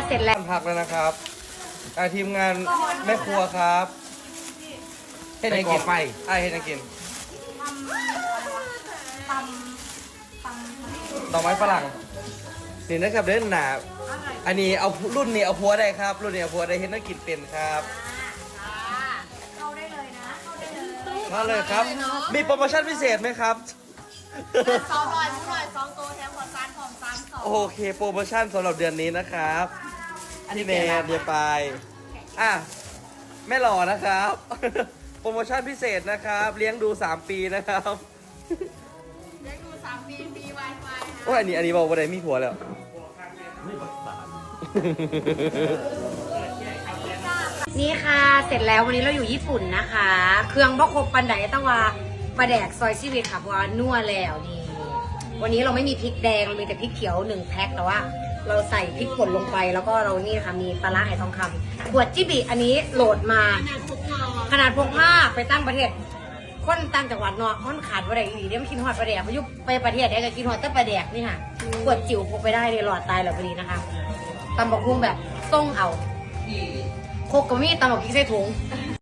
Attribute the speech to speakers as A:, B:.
A: เสร็จแล้ว
B: พักแล้วนะครับทีมงานแม่ครัวครับเฮ็ดยังกินไปเฮ็ดยังกินดอกไม้ฝรั่งนี่นะครับเดินหนาอันนี้เอารุ่นนี้เอาพัวได้ครับรุ่นนี้เอาพัวได้เฮ็ดนักกินเป็นครับเข้าได้เลยนะเข้าเลยครับมีโปรโมชั่นพิเศษไหมครับ
C: 200ผู้หน่อย2ตัวแถมขอซานของ3 2
B: โอเคโปรโมชั่นสำหรับเดือนนี้นะครับพี่เมย์เดียไปแม่หล่อนะครับ โปรโมชั่นพิเศษนะครับเลี้ยงดู3 ปีนะครับ
C: เลี้ยงดู3 ปีมี Wi-Fi
B: โอ้ยอันนี้บอกว่าได้มีผัวแล้ว
A: นี่ค่ะเสร็จแล้ววันนี้เราอยู่ญี่ปุ่นนะคะ เครื่องบ่ครบปันไดต้องว่าปลาแดกซอยชีวิตค่ะเพราะว่านัวแล้วนี่วันนี้เราไม่มีพริกแดงเรามีแต่พริกเขียว1 แพ็คแต่ว่าเราใส่พริกป่นลงไปแล้วก็เรานี่ค่ะมีปลาร้าไหทองคำขวดจิบิอันนี้โหลดมาขนาดพกผ้าไปตั้งประเทศคนต่างจังหวัดเนาะมันขาดปลาแดกอีกเดี๋ยวมันกินหอดปลาแดกพายุไปประเทศไหนก็กินหอดแต่ปลาแดกนี่ค่ะขวดจิ๋วพกไปได้เลยหลอดตายแล้วพอดีนะคะตำบักหุ่งแบบต้องเอาโคกกะมี่ตำบักพริกใส่ถุง